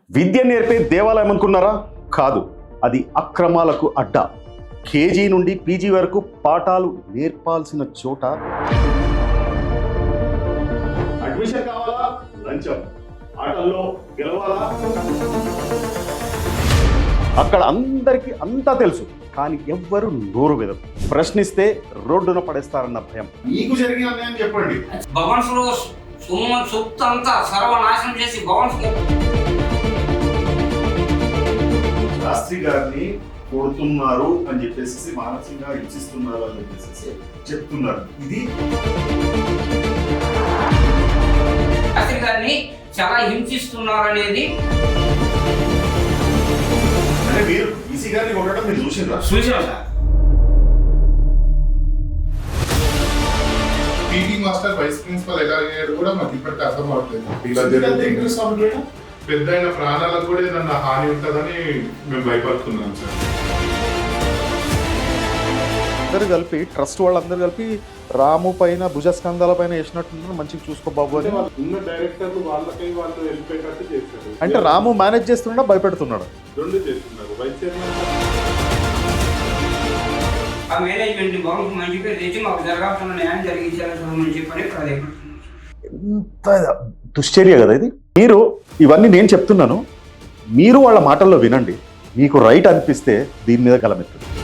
విద్య నేర్పే దేవాలయం అనుకున్నారా? కాదు, అది అక్రమాలకు అడ్డ. కేజీ నుండి పీజీ వరకు పాఠాలు నేర్పాల్సిన చోట అడ్మిషన్ కావాలా, లంచం. ఆటల్లో గెలవాలా, అక్కడ అందరికీ అంతా తెలుసు. కానీ ఎవ్వరు నోరు విదరు. ప్రశ్నిస్తే రోడ్డున పడేస్తారన్న భయం. మీకు జరిగిన అన్యాయం చెప్పండి. భవన్స్ లో సొత్తు అంతా సర్వనాశనం చేసి భవన్స్ శాస్త్రి గారిని కొడుతున్నారు అని చెప్పేసి, మానసికంగా హింసిస్తున్నారు అని చెప్పేసి చెప్తున్నారు. ఇది శాస్త్రి గారిని చాలా హింసిస్తున్నారు అనేది అంటే మీరు ఈసీ గారిని కొట్టడం మీరు చూసిండ్రా? చూసాం sir. PT master vice principal ఎలా అయ్యాడు కూడా మాకు ఇప్పటికీ అర్థం అవట్లేదు. పెద్ద అయిన ప్రాణాలకు కూడా ఏదన్నా హాని ఉంటుందని మేము భయపడుతున్నాం సార్. అందరు కలిపి ట్రస్ట్ వాళ్ళందరూ కలిపి రాము పైన భుజస్కంధాల పైన వేసినట్టున్నారు. మంచిగా చూసుకో బాబు అని ఉన్న డైరెక్టర్లు వాళ్ళకి వాళ్ళు వెళ్ళిపోయేటట్టు చేస్తారు. అంటే రాము మేనేజ్ చేస్తున్నాడా, భయపెడుతున్నాడు? రెండు చేస్తున్నారు. వైస్ చైర్మన్ ఆ మేనేజ్మెంట్ భవన్స్ మంచి పేరు తెచ్చి మాకు జరగాల్సిన న్యాయం జరిగించాలని చెప్పని ప్రాధాన్యపడుతున్నాం. ఎంత దుశ్చర్య కదా ఇది. మీరు ఇవన్నీ నేను చెప్తున్నాను, మీరు వాళ్ళ మాటల్లో వినండి. మీకు రైట్ అనిపిస్తే దీని మీద గలమెత్తండి.